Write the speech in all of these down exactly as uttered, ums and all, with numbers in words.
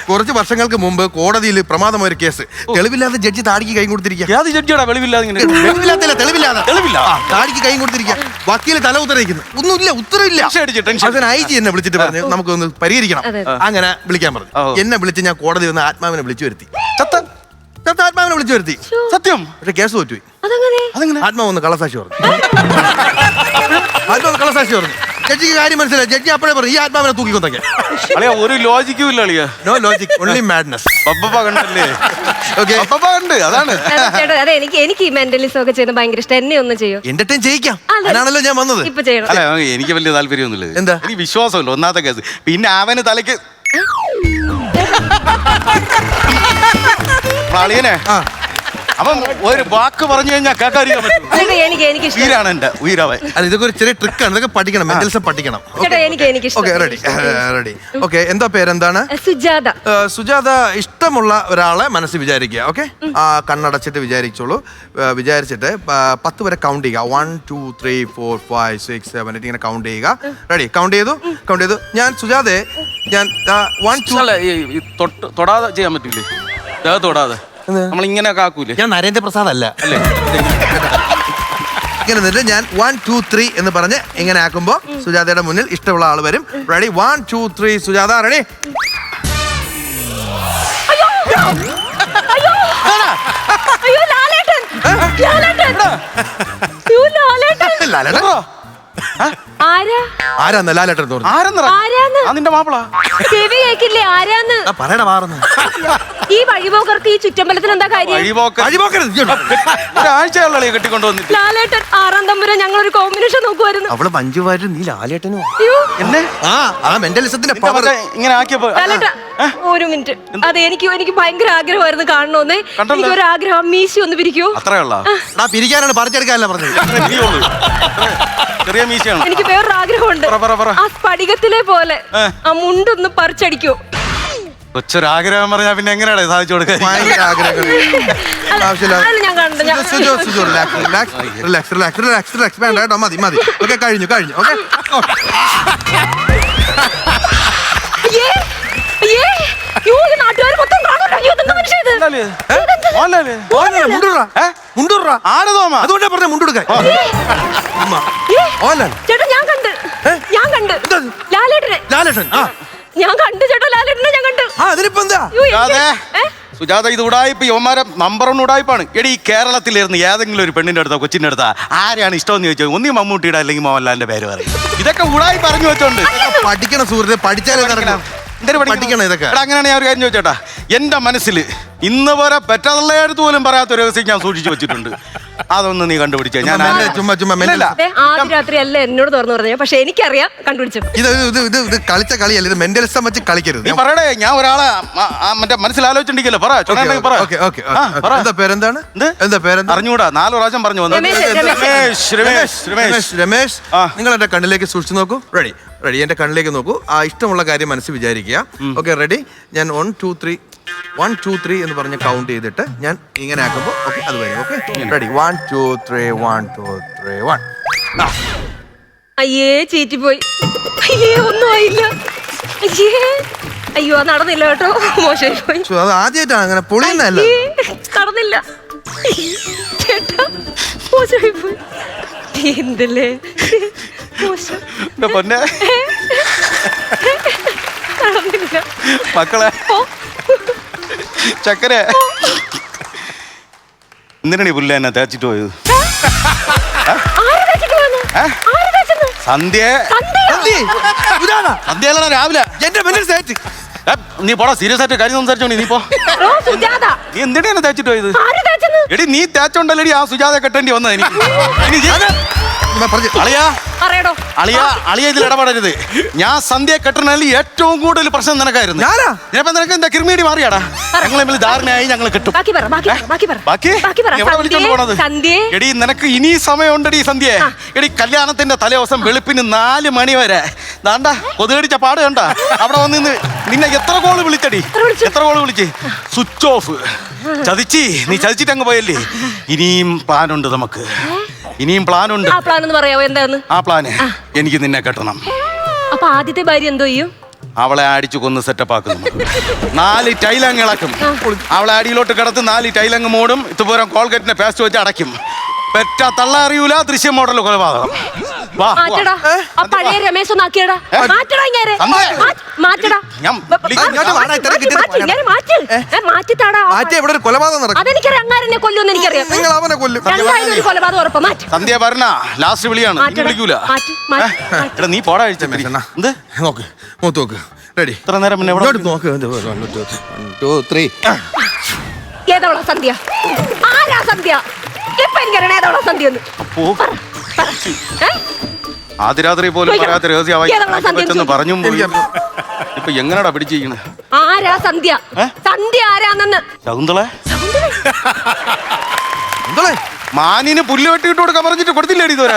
കുറച്ച് വർഷങ്ങൾക്ക് മുമ്പ് കോടതിയിൽ പ്രമാദമായ ഒരു കേസ്, തെളിവില്ലാതെ ജഡ്ജി താടിക്ക് കൈ കൊടുത്തിരിക്കുക. ഏത് ജഡ്ജിയാടാ വെളിവില്ലാതെ ഇങ്ങനെ? വെളിവില്ലാത്തല്ല, തെളിവില്ലാതെ. തെളിവില്ല. താടിക്ക് കൈ കൊടുത്തിരിക്കുക. വക്കീല് തല ഉത്തരവിക്കുന്നു. ഒന്നുമില്ല, ഉത്തരവില്ല. അതിന് ഐ ജി എന്നെ വിളിച്ചിട്ട് പറഞ്ഞു നമുക്കൊന്ന് പരിഹരിക്കണം. അങ്ങനെ വിളിക്കാൻ പറഞ്ഞു. എന്നെ വിളിച്ച് ഞാൻ കോടതി വന്ന് ആത്മാവിനെ വിളിച്ചു വരുത്തി. ചത്ത ആത്മാവിനെ വിളിച്ചു വരുത്തി. സത്യം. പക്ഷെ കേസ് തോറ്റുപോയി. ആത്മാവ് ഒന്ന് കള്ളസാക്ഷി പറഞ്ഞു. ആത്മാവ് കള്ളസാക്ഷി പറഞ്ഞു. ജഡ്ജിക്ക് കാര്യം മനസ്സിലായി. ജഡ്ജി അപ്പോഴേ പറഞ്ഞു ഈ ആത്മാവിനെ തൂക്കിക്കൊണ്ടൊക്കെ. അളിയ ഒരു ലോജിക്കും ഇല്ല അളിയ. No logic, only madness. പപ്പ കണ്ടല്ലേ? പപ്പ കണ്ട്. അതാണ്. അതെ, എനിക്ക് എനിക്ക് ഈ മെന്റലിസം ഒക്കെ ചെയ്യുന്നത് ഭയങ്കര ഇഷ്ടം. എന്നെ ഒന്ന് ചെയ്യോ? എന്റർടൈൻ ചെയ്യിക്കാം. അതിനാണല്ലോ ഞാൻ വന്നത്. ഇപ്പൊ ചെയ്യണം. അല്ല, എനിക്ക് വലിയ താല്പര്യമൊന്നുമില്ല. എന്താ? എനിക്ക് വിശ്വാസമില്ല ഒന്നാമത്തെ കേസ്. പിന്നെ അവന് തലയ്ക്ക് അളിയനെ അപ്പം ഒരു വാക്ക് പറഞ്ഞു കഴിഞ്ഞാൽ കേൾക്കാതിരിക്കാൻ പറ്റും. എനിക്ക് എനിക്ക് ഉയരാണ് എന്റെ ഉയരാവൻ. അല്ല, ഇതൊക്കെ ഒരു ചെറിയ ട്രിക്കാണ്. ഇതൊക്കെ പഠിക്കണം, മെന്റലിസം പഠിക്കണം. Ready ready okay. എന്താ പേരെന്താണ്? സുജാത. സുജാത, ഇഷ്ടമുള്ള ഒരാളെ മനസ്സിൽ വിചാരിക്കുക. ഓക്കെ, ആ കണ്ണടച്ചിട്ട് വിചാരിച്ചോളൂ. വിചാരിച്ചിട്ട് പത്ത് വരെ കൗണ്ട് ചെയ്യുക. One two three four five six seven eight ഇങ്ങനെ കൗണ്ട് ചെയ്യുക. റെഡി? കൗണ്ട് ചെയ്തു കൗണ്ട് ചെയ്തു ഞാൻ സുജാതെ ഞാൻ വൺ ടു തൊടാതെ ചെയ്യാൻ പറ്റില്ലേ? തൊടാതെ നമ്മൾ ഇങ്ങനെ ആക്കൂലേ? ഞാൻ നരേന്ദ്രപ്രസാദ് അല്ല അല്ലേ? ഇങ്ങനെ നിന്നിട്ട് ഞാൻ വൺ ടു ത്രീ എന്ന് പറഞ്ഞ് ഇങ്ങനെ ആക്കുമ്പോ സുജാതയുടെ മുന്നിൽ ഇഷ്ടമുള്ള ആൾ വരും. Ready? One two three Sujatha. Ready? ആരാന്ന് ലാലേട്ടൻ നിന്റെ മാപ്പിള ചെവി കേക്കില്ലേ? ആരാന്ന് പറയണ മാറുന്നു. ഈ വഴിപോക്കർക്ക് ഈ ചുറ്റമ്പലത്തിന് എന്താ കാര്യം? ഒരാഴ്ചയുള്ള കെട്ടിക്കൊണ്ടു വന്നിട്ട് ലാലേട്ടൻ ആറാം തമ്പുരാൻ ഞങ്ങൾ ഒരു കോമ്പിനേഷൻ നോക്കുമായിരുന്നു. അവള് മഞ്ജുവാരും നീ ലാലേട്ടനും. എന്നെ ആ മെന്റലിസത്തിന്റെ പവർ ഇങ്ങനെ ആക്കിയപ്പോ. ഒരു മിനിറ്റ്. അതെ, എനിക്ക് എനിക്ക് ഭയങ്കര ആഗ്രഹമായിരുന്നു കാണണമെന്ന്. എനിക്ക് ഒരു ആഗ്രഹം, മീശി ഒന്ന് പിരിക്കോ? അത്രയുള്ള പിരിക്കാനാണ് പറിച്ചെടുക്കാനല്ല പറഞ്ഞത്. ചെറിയ മീശയാണ്. എനിക്ക് വേറൊരു ആഗ്രഹമുണ്ട്. ആ സ്ഫടികത്തിലെ പോലെ ആ മുണ്ടൊന്ന് പറിച്ചടിക്കോ? കൊച്ചൊരാഗ്രഹം പറഞ്ഞാ പിന്നെ എങ്ങനെയാണ് സാധിച്ചു കൊടുക്കാൻ? ഭയങ്കര ആഗ്രഹം. വേണ്ട കേട്ടോ, മതി മതി. ഓക്കെ, കഴിഞ്ഞു കഴിഞ്ഞു. ഓക്കെ നാട്ടുകാർ മൊത്തം അതുകൊണ്ടാ പറഞ്ഞ മുണ്ടെടുക്കാൻ. ചേട്ടാ ഞാൻ കണ്ട് ഞാൻ കണ്ട് ലാലേട്ടനെ ലാലേട്ടൻ ആ ഞാൻ കണ്ടു ചേട്ടാ, ലാലേട്ടനെ ഞാൻ കണ്ടു. അതിനിപ്പോ എന്താ സുജാത, ഇത് ഉടായ്പ യോമാരെ നമ്പർ ഒന്ന് ഉടായ്പാണ്. എടി, ഈ കേരളത്തിലിരുന്ന് ഏതെങ്കിലും ഒരു പെണ്ണിന്റെ അടുത്തോ കൊച്ചിന്റെ അടുത്താ ആരെയാണ് ഇഷ്ടമെന്ന് ചോദിച്ചോ, ഒന്നി മമ്മൂട്ടിയുടെ അല്ലെങ്കിൽ മോഹൻലാലിന്റെ പേര് പറയും. ഇതൊക്കെ ഉടായി പറഞ്ഞു വെച്ചോണ്ട് പഠിക്കണം സുഹൃത്തെ, പഠിച്ചാലേ നടക്കണം. പഠിക്കണം ഇതൊക്കെ. അങ്ങനെയാണ് ഞാൻ ഒരു കാര്യം ചോദിച്ചേട്ടാ, എന്റെ മനസ്സിൽ ഇന്ന് വരെ പെറ്റതള്ളയടുത്ത് പോലും പറയാത്ത രഹസ്യം ഞാൻ സൂക്ഷിച്ചു വെച്ചിട്ടുണ്ട്. അതൊന്ന് നീ കണ്ടുപിടിച്ചേ. ഞാൻ ചുമ്മാ ചുമ്മാ ആദ്യ രാത്രി അല്ല എന്നോട് തുറന്നു പറഞ്ഞു, പക്ഷെ എനിക്കറിയാം കണ്ടുപിടിച്ചു. ഇത് ഇത് ഇത് ഇത് കളിച്ച കളിയല്ല, ഇത് മെന്റലിസം വെച്ച് കളിക്കരുത്. നീ പറയടേ, ഞാൻ ഒരാളെ മറ്റേ മനസ്സിലാലോചിച്ചിട്ടുണ്ടല്ലോ. എന്താ പേരെന്താണ്? എന്താ പേരെന്താ? അറിഞ്ഞൂടാ, നാല് പ്രാവശ്യം പറഞ്ഞു വന്നു. രമേശ് രമേശ് രമേശ് രമേശ് നിങ്ങൾ എന്റെ കണ്ണിലേക്ക് സൂക്ഷിച്ചു നോക്കൂ. റെഡി റെഡി എന്റെ കണ്ണിലേക്ക് നോക്കൂ. ആ ഇഷ്ടമുള്ള കാര്യം മനസ്സിൽ വിചാരിക്കുക. Okay, ready? ഞാൻ one two three one two three എന്ന് പറഞ്ഞ് കൗണ്ട് ചെയ്തിട്ട് ഞാൻ ഇങ്ങനെ ആക്കുമ്പോ ഓക്കെ അത് വരും. Okay, ready? One two three one two three one. അയ്യേ, ചീറ്റിപ്പോയി. അയ്യേ, ഒന്നും ആയില്ല. അയ്യേ, അയ്യോ നടന്നില്ല കേട്ടോ, മോശമായി പോയി. അത് ആദ്യമായിട്ടാണ് അങ്ങനെ പൊളിയുന്നല്ല. നടന്നില്ല ചേട്ടാ, മോശമായി പോയി. എന്തല്ലേ മോശം. പൊന്നെ നടന്നില്ല മക്കളെ. ചക്കര എന്തിനാണ് ഈ പുല്ല എന്നെ തേച്ചിട്ട് പോയത്? സന്ധ്യ സന്ധ്യയിലാണ് രാവിലെ എന്റെ മുന്നിൽ തേച്ച്. നീ പോടാ, സീരിയസ് ആയിട്ട് കാര്യം സംസാരിച്ചോണ്ടി. നീ പോ. നീ എന്തിനാണ് തേച്ചിട്ട് പോയത്? എടി, നീ തേച്ചോണ്ടല്ലേടി ആ സുജാത കെട്ടേണ്ടി വന്നത് എനിക്ക്. അളിയാ അളിയ അളിയ ഇതിൽ ഇടപെടരുത്. ഞാൻ സന്ധ്യ കെട്ടണതിൽ ഏറ്റവും കൂടുതൽ പ്രശ്നം നിനക്കായിരുന്നു. ഞാനിപ്പോ നിനക്ക് എന്താ കിർമീടി മാറിയാടാ? ഞങ്ങൾ തമ്മിൽ ധാരണയായി, ഞങ്ങൾ കിട്ടും. ബാക്കി എവിടെ വിളിച്ചോണ്ട് പോണത്? എടി, നിനക്ക് ഇനി സമയമുണ്ടടി സന്ധ്യ. എടി, കല്യാണത്തിന്റെ തലേദിവസം വെളുപ്പിന് നാല് മണി വരെ ദാണ്ടാ കൊതുകടിച്ച പാട് കണ്ട അവിടെ വന്ന് നിന്നെ എത്ര കോള് വിളിച്ചടി? എത്ര കോള് വിളിച്ച്? Switch off. ചതിച്ചി, നീ ചതിച്ചിട്ട് അങ്ങ് പോയല്ലേ. ഇനിയും പ്ലാനുണ്ട് നമുക്ക്, ഇനിയും പ്ലാനുണ്ട്. ആ പ്ലാൻ ഒന്ന് പറയാമോ? എന്താന്ന് ആ പ്ലാന്? എനിക്ക് നിന്നെ കെട്ടണം. അപ്പൊ ആദ്യത്തെ ഭാര്യ എന്തോ ചെയ്യും? അവളെ അടിച്ചു കൊന്ന് സെറ്റപ്പ് ആക്കുന്നു. നാല് ടൈലങ്ങ് ഇളക്കും. അവളെ അടിയിലോട്ട് കിടത്ത് നാല് ടൈലങ്ങ് മൂടും. ഇതുപോലെ കോൾഗേറ്റിന്റെ പേസ്റ്റ് വെച്ച് അടയ്ക്കും. പെറ്റ തള്ള അറിയൂല. ദൃശ്യം മോഡൽ കൊലപാതകം. വാ, മാറ്റടാ. ആ പഴയ രമേശ് ഒന്ന് ആക്കിയടാ. മാറ്റടാ ഇങ്ങേരെ. മാറ്റ്, മാറ്റടാ. ഞാൻ ഇങ്ങോട്ട് വാടാ, ഇത്ര കിട്ടിയത് മാറ്റ്, ഇങ്ങേരെ മാറ്റ്. ഏ, മാറ്റിത്താടാ. മാറ്റി ഇവിടെ ഒരു കൊലപാതകം നടക്കും. അതെനിക്കറിയാം. അങ്ങാരെന്നെ കൊല്ലുമെന്ന് എനിക്കറിയാം. നിങ്ങൾ അവനെ കൊല്ലും. രണ്ടായാലും ഒരു കൊലപാതകം ഉറപ്പ്. മാറ്റ്. സന്ധ്യ പറഞ്ഞ ലാസ്റ്റ് വിളിയാണ്. ഇനി മാറ്റടാ. വിളിക്കൂല. മാറ്റ്, മാറ്റ്, മാറ്റ്. എടാ നീ പോടാ കഴിച്ച എന്ത് നോക്ക്, മൂത്ത് നോക്ക്. റെഡി? ഇത്ര നേരം പിന്നെ എവിടെ ഇങ്ങോട്ട് നോക്ക്. One, two, one, two, three. ഏതവളാ സന്ധ്യ? ആരാ സന്ധ്യ? ഇപ്പൊ എനിക്കറിയണ ഏതവളാ സന്ധ്യ എന്ന്. ഓ. പറ, പറ. ഏ? ആദ്യരാത്രി പോലും ചോദിക്കണം. പറയാത്ത രഹസ്യമായി ഏതവളാ സന്ധ്യ? വെച്ചെന്ന് പറഞ്ഞും പോയി. ഇപ്പൊ എങ്ങനെയാടാ പിടിച്ചിരിക്കണേ? ആരാ സന്ധ്യ? ഏ? സന്ധ്യ ആരാന്നെന്ന്. ശകുന്തളെ എന്തോളെ? മാനിന് പുല്ല് വെട്ടിയിട്ട് കൊടുക്കാൻ പറഞ്ഞിട്ട് കൊടുത്തില്ലേടി ഇതുവരെ?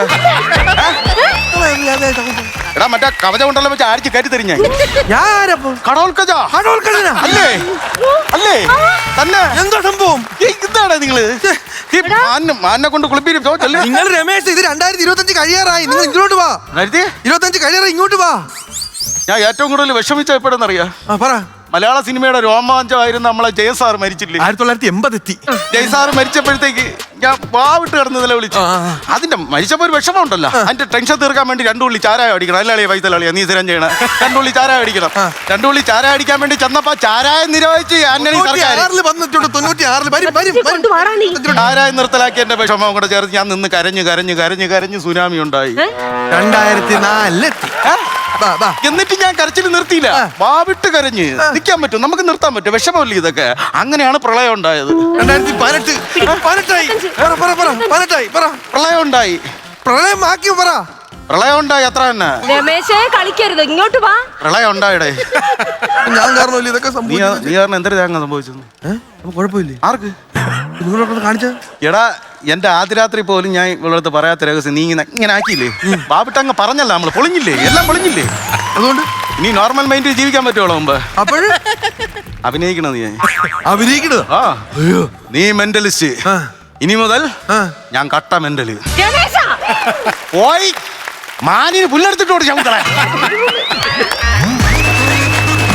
എടാ മറ്റേ കവച കൊണ്ടല്ലോ വെച്ച് ആഴ്ച കയറ്റി തരും ഞാൻ. ഞാനപ്പോ കടോൽക്കജ കടോൽക്കജനാ? അല്ലേ അല്ലേ തന്നെ എന്താ സംഭവം? ഇതാടാ നിങ്ങള് ഈ മാനിനെ മാനിനെ കൊണ്ട് കുളിപ്പിക്കും. നിങ്ങൾ രമേശ്, ഇത് രണ്ടായിരത്തി ഇരുപത്തി അഞ്ച് കഴിയാറായി. നിങ്ങൾ ഇങ്ങോട്ട് വാ. ഇരുപത്തഞ്ച് കഴിയാറായി, ഇങ്ങോട്ട് വാ. ഞാൻ ഏറ്റവും കൂടുതൽ വിഷമിച്ച എപ്പോഴെന്നറിയാ? ആ, പറ. മലയാള സിനിമയുടെ രോമാഞ്ചമായിരുന്നു നമ്മളെ ജയസാർ മരിച്ചില്ലേ? ആയിരത്തി തൊള്ളായിരത്തി എൺപത് എത്തി. ജയസാർ മരിച്ചപ്പോഴത്തേക്ക് ഞാൻ വാവിട്ട് കിടന്ന് നില വിളിച്ചു. അതിന്റെ മരിച്ചപ്പോ ഒരു വിഷമം ഉണ്ടല്ലോ. അതിന്റെ ടെൻഷൻ തീർക്കാൻ വേണ്ടി രണ്ടു ഉള്ളി ചാരായ അടിക്കണം. അല്ലാളിയ വൈത്തലാളിയാ നീ സ്ഥിരം ചെയ്യണം. രണ്ടു ഉള്ളി ചാരായ അടിക്കണം. രണ്ടു ഉള്ളി ചാരായ അടിക്കാൻ വേണ്ടി ചെന്നപ്പോ ചാരായ നിരോധിച്ച് ആന്റണി സർക്കാർ തൊണ്ണൂറ്റി ആറിൽ കൊണ്ടുവാടാ നീ. ചാരായ നിർത്തലാക്കി എന്റെ വിഷമം കൂടെ ചേർത്ത് ഞാൻ നിന്ന് കരഞ്ഞു കരഞ്ഞു കരഞ്ഞു കരഞ്ഞു സുനാമി ഉണ്ടായി. രണ്ടായിരത്തി നാലിലെത്തി. എന്നിട്ട് ഞാൻ കരച്ചിൽ നിർത്തിയില്ല. വാവിട്ട് കരഞ്ഞ് നിൽക്കാൻ പറ്റും, നമുക്ക് നിർത്താൻ പറ്റും. വിഷമമില്ല ഇതൊക്കെ. അങ്ങനെയാണ് പ്രളയം ഉണ്ടായത്. രണ്ടായിരത്തി പതിനെട്ട് പതിനെട്ടായി പതിനെട്ടായി പറ. പ്രളയം ഉണ്ടായി. പ്രളയം ആക്കി പറ. പ്രളയം ഉണ്ടായി അത്ര തന്നെ. രമേശേ കളിക്കരുത്, ഇങ്ങോട്ട് വാ. പ്രളയം ഉണ്ടായിടേ. ഞാൻ കാരണമല്ല ഇതൊക്കെ നീ സംഭവിച്ചത്. നീ കാരണം എന്തൊരു തേങ്ങ സംഭവിച്ചത്? ഏഹ് കുഴപ്പമില്ലേ? ആർക്ക്? നിങ്ങളോട് കാണിച്ച എടാ എന്റെ ആദ്യ രാത്രി പോലും ഞാൻ ഇവളടുത്ത് പറയാത്ത രഹസ്യം നീ ഇങ്ങനെ ഇങ്ങനെ ആക്കിയില്ലേ? ബാബിട്ടങ്ങ് പറഞ്ഞല്ല, നമ്മള് പൊളിഞ്ഞില്ലേ, എല്ലാം പൊളിഞ്ഞില്ലേ? അതുകൊണ്ട് നീ നോർമൽ മൈൻഡിൽ ജീവിക്കാൻ പറ്റുമോ മുമ്പ്? അപ്പോഴ് അഭിനയിക്കണത് നീ അഭിനയിക്കണത്. ആ നീ മെന്റലിസ്റ്റ്. ഇനി മുതൽ ഞാൻ കട്ട മെന്റല്. രമേശാ പോയി മാനിന് പുല്ലെടുത്തിട്ടോട് ശകുന്തള.